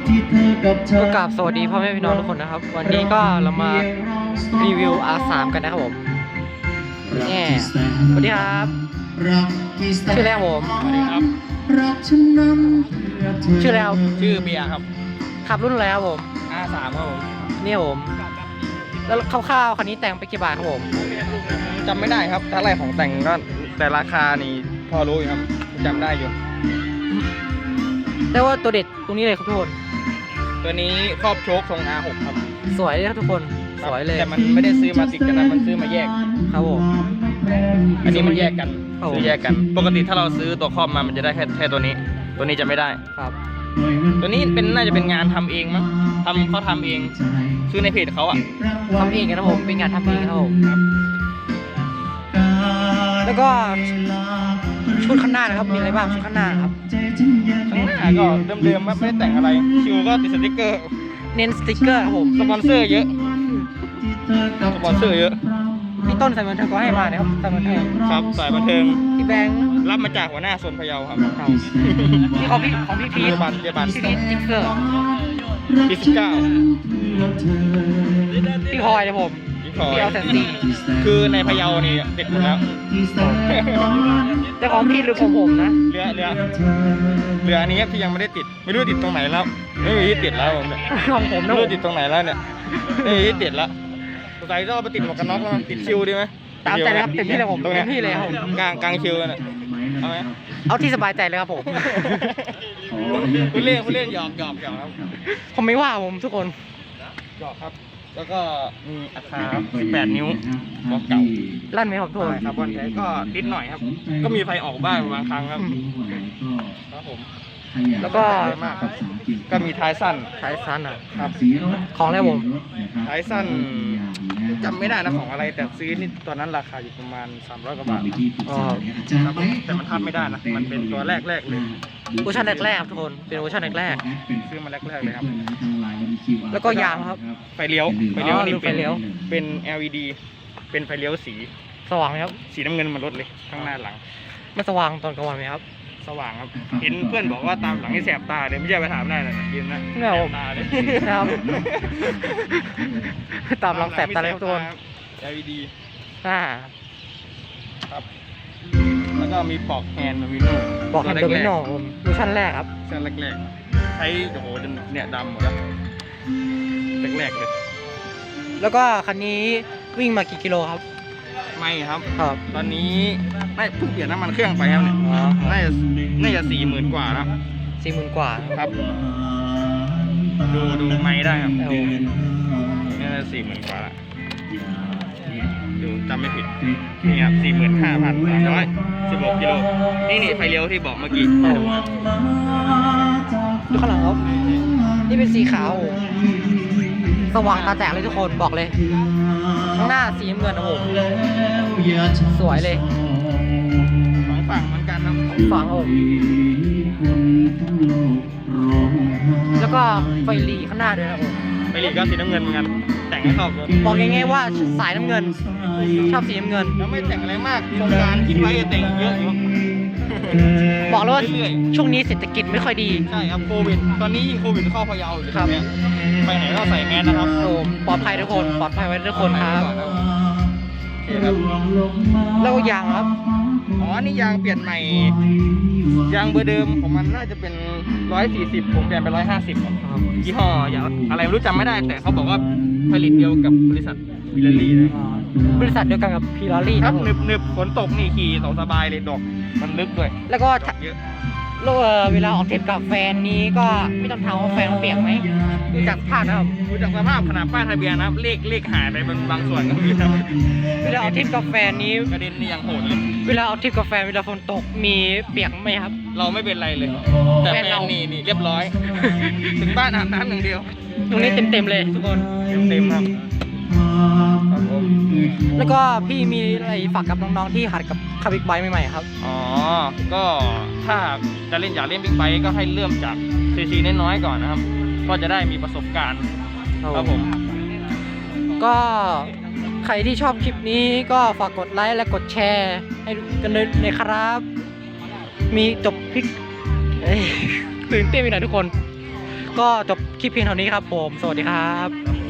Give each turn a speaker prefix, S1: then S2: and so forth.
S1: ก็กราบสวัสดีพ่อแม่พี่น้องทุกคนนะครับวันนี้ก็เรามารีวิว R3 กันนะครับผมนี่สวัสดีครับชื่อแรกผม
S2: สวัสดีครับ
S1: ชื่อแล้ว
S2: ชื่อเบียร์ครับ
S1: ขับรุ่นอะไรครับผม
S2: R3 ครับผม
S1: นี่ผมแล้วคร่าวๆคันนี้แต่งไปกี่บาทครับผม
S2: จำไม่ได้ครับถ้าอะไรของแต่งก็แต่ราคานี่พอรู้อยู่ครับจำได้อยู่
S1: แต่ว่าตัวเด็ดตรงนี้เลยครับทุกคน
S2: ตัวนี้ครอบโชคทรง R6 ครับ
S1: สวยเลยครับทุกคนสวยเลย
S2: แต่มันไม่ได้ซื้อมาติดกันนะมันซื้อมาแยก
S1: ครับผม
S2: อันนี้มันแยกกัน
S1: ครับผม
S2: ซื้อแยกกันปกติถ้าเราซื้อตัวครอบมามันจะได้แค่ตัวนี้จะไม่ได้
S1: ครับ
S2: ตัวนี้น่าจะเป็นงานทำเองมั้งเขาทำเองซื้อในเพจเขาอ่ะ
S1: ทำเองกันนะผมเป็นงานทำเองครับผมแล้วก็ชุดข้างหน้านะครับมีอะไรบ้างชุดข้างหน้าครับ
S2: ข้างหน้าก็เดิมๆไม่ได้แต่งอะไรคิวก็ติดสติ๊กเกอร์
S1: เน้นสติกเกอร์ครับผม
S2: สปอนเซอร์เยอะ
S1: พี่ต้นสายบันเทิงก็ให้มานะครับสายบันเทิง
S2: ครับสายบันเทิง
S1: พี่แบงค์
S2: รับมาจากหัวหน้าโซนพะเยาครับ
S1: พี่ของพี่พีท
S2: เจบัน
S1: พี่พีทสติกเกอร์
S2: ปี19
S1: พี่พลอยเลยผม
S2: พี่พลอย
S1: พี่เอาแสนสี่
S2: คือในพะเยานี่ติดหมดแล้ว
S1: แต่ของพี่หรือของผมนะ
S2: เรืออันนี้ที่ยังไม่ได้ติดไม่รู้ติดตรงไหนแล้วไม่มีที่ติดแล้วผมเนี่ย
S1: ของผม
S2: ไม่
S1: นะผ
S2: รู้
S1: ม
S2: ติดตรงไหนแล้วเนี่ยไม่มีที่ติดแล้วสงสัยจะเอาไปติดหมวกกันน็อกแล้วติดคิวดีไหม
S1: ตามใจเลยครับเต็มที่เลยผม
S2: ตรง
S1: เต็
S2: เนี้ย
S1: มที่เลยครับผม
S2: กลางคิวเนี่ยเอาไหม
S1: เอาที่สบายใจเลยครับผม
S2: คุณเล่นหยอกครับ
S1: ผมไม่ว่าผมทุกคน
S2: หยอกครับ แล้วก็มีอัตรา18 นิ้วบอกเก่า
S1: ลั่นไหมครับทุกคน
S2: ครับวันนี้ก็นิดหน่อยครับ ก็มีไฟออกบ้างบางครั้งครับครับผม
S1: แล้วก็
S2: มากครับก็มีท้ายสั้น
S1: สายซันอ่ะ
S2: ครับ
S1: ของแล้วผม
S2: ท้ายสั้นจำไม่ได้นะของอะไรแต่ซื้อนี่ตอนนั้นราคาอยู่ประมาณ300 กว่าบาท
S1: อ๋อ
S2: ครับแต่มันทำไม่ได้นะมันเป็นตัวแรกเลย
S1: เวอร์ชันแรกๆครับทุกคนเป็นเวอร์ชันแรก
S2: ซื้อมาแรกเลยครับ
S1: ๆแล้วก็ยางครับ
S2: ไฟเลี้ยว
S1: อ๋อดูไฟเลี้ยว
S2: เป็น LED เป็นไฟเลี้ยวสี
S1: สว่างไหมครับ
S2: สีน้ำเงินมันลดเลยข้างหน้าหลัง
S1: มันสว่างตอนกลางวันไหมครับ
S2: สว่างครับ เห็นเพื่อนบอกว่าตามหลังให้แสบตาเลยไม่ใช่ไปถามได้นะยืนนะ
S1: เนี่ยผม
S2: แสบตาเลย
S1: นะครับ ตามลองแสบตาเลยครับทุกคน
S2: LED
S1: อ่า
S2: ครับ แล้วก็มีปลอกแฮนด์โดมิโน
S1: บอกให้โดมิโนผมเวอร์ชันแรกครับ
S2: เส้นแรกๆใช้โอ้โหจนเนี่ยดำหมดแล้วแรกๆเลย
S1: แล้วก็คันนี้วิ่งมากี่กิโลครับ
S2: ไม่ครับ
S1: ครับ
S2: ตอนนี้ไม่เพิ่งเปลี่ยนน้ำมันเครื่องไปครับเนี่ย
S1: อ๋อ
S2: น่าจะ40,000 กว่าแล้ว
S1: 40,000 กว่า
S2: ครับ ดูไม่ได้ครับ
S1: เอา
S2: น่าจะ40,000 กว่าละดูจำไม่ผิดนี่ครับ45,316 กิโลนี่ไฟเลี้ยวที่บอกเมื่อกี้
S1: เอาดูข้างหลังครับนี่เป็นสีขาว สว่างตาแตกเลยทุกคนบอกเลย ข้างหน้าสีน้ำเงินนะผมสวยเลย
S2: สองฝั่งเหมือนกันครับ
S1: ฝั่งผมแล้วก็ไฟหลีข้างหน้าด้วยนะผม
S2: ไฟหลีก็สีน้ำเงินเหมือนกันแต่งให้เข้ากัน
S1: บอกง่ายๆว่าสายน้ำเงิน ชอบสีน้ำเงิน
S2: แล้วไม่แต่งอะไรมากโครงการคิดไว้จะแต่งเยอะอยู่
S1: บอกเลยว่า
S2: เรื่อย
S1: ช่วงนี้เศรษฐกิจไม่ค่อยดี
S2: ๆใช่ครับโควิดตอนนี้ยิ่งโควิดเข้าพะเยาอยู่
S1: ครับ
S2: เนี่ยไปไหนก็ใส่แมสนะครับ
S1: ผมปลอดภัยทุกคนปลอดภัยไว้ทุกคนครับ
S2: โอเคครับ
S1: แล้วก็ยางครับ
S2: อ๋อนี่ยางเปลี่ยนใหม่ยางเบอร์เดิมของมันน่าจะเป็น140ผมเปลี่ยนเป็น150ครับยี่ห้ออย่างอะไรไม่รู้จำไม่ได้แต่เขาบอกว่าผลิตเดียวกับบริษัทวิลเลอรี่เลย
S1: บริษัทเดียวกันกับพีลารี่
S2: ค
S1: ค
S2: รั
S1: รั
S2: บบ
S1: ผม
S2: หนึบฝนตกนี่ขี่สบายเลยดอกมันลึกด้วย
S1: แล้วก็
S2: ดอกเยอะ
S1: เวลาออกทริปกับแฟนนี้ก็ไม่ต้องถามว่าแฟนเขาเปียกไหมดูจากภาพนะครับ
S2: ดูจากสภาพขนาดป้ายทะเบียนนะเลขหายไปบางส่วนก็มีนะ
S1: เวลาออกทริปกับแฟนนี้
S2: กระเด็นนี่ยังโหดเลย
S1: เวลาออกทริปกับแฟนเวลาฝนตกมีเปียกไหมครับ
S2: เราไม่เป็นไรเลย แต่แฟ
S1: แฟน
S2: น
S1: เรา
S2: นี่เรียบร้อย ถึงบ้านอาบน้ำอย่างเดียว
S1: ตรงนี้เต็มๆเลยทุกคน
S2: เต็มครับครับผม
S1: แล้วก็พี่มีอะไรฝากกับน้องๆที่หัดกับขับบิ๊กไบค์ใหม่ๆครับ
S2: อ๋อ ก็ถ้าจะเล่นอยากเล่นบิ๊กไบค์ก็ให้เริ่มจากซีน้อยๆก่อนนะครับ ก็จะได้มีประสบการณ์ครับผม
S1: ก็ใครที่ชอบคลิปนี้ก็ฝากกดไลค์และกดแชร์ให้กันเลยนะครับ มีจบพลิกตื่นเต้นไปหน่อยทุกคนก็จบคลิปเพียงเท่านี้ครับผม สวัสดีครับ
S2: ครับผม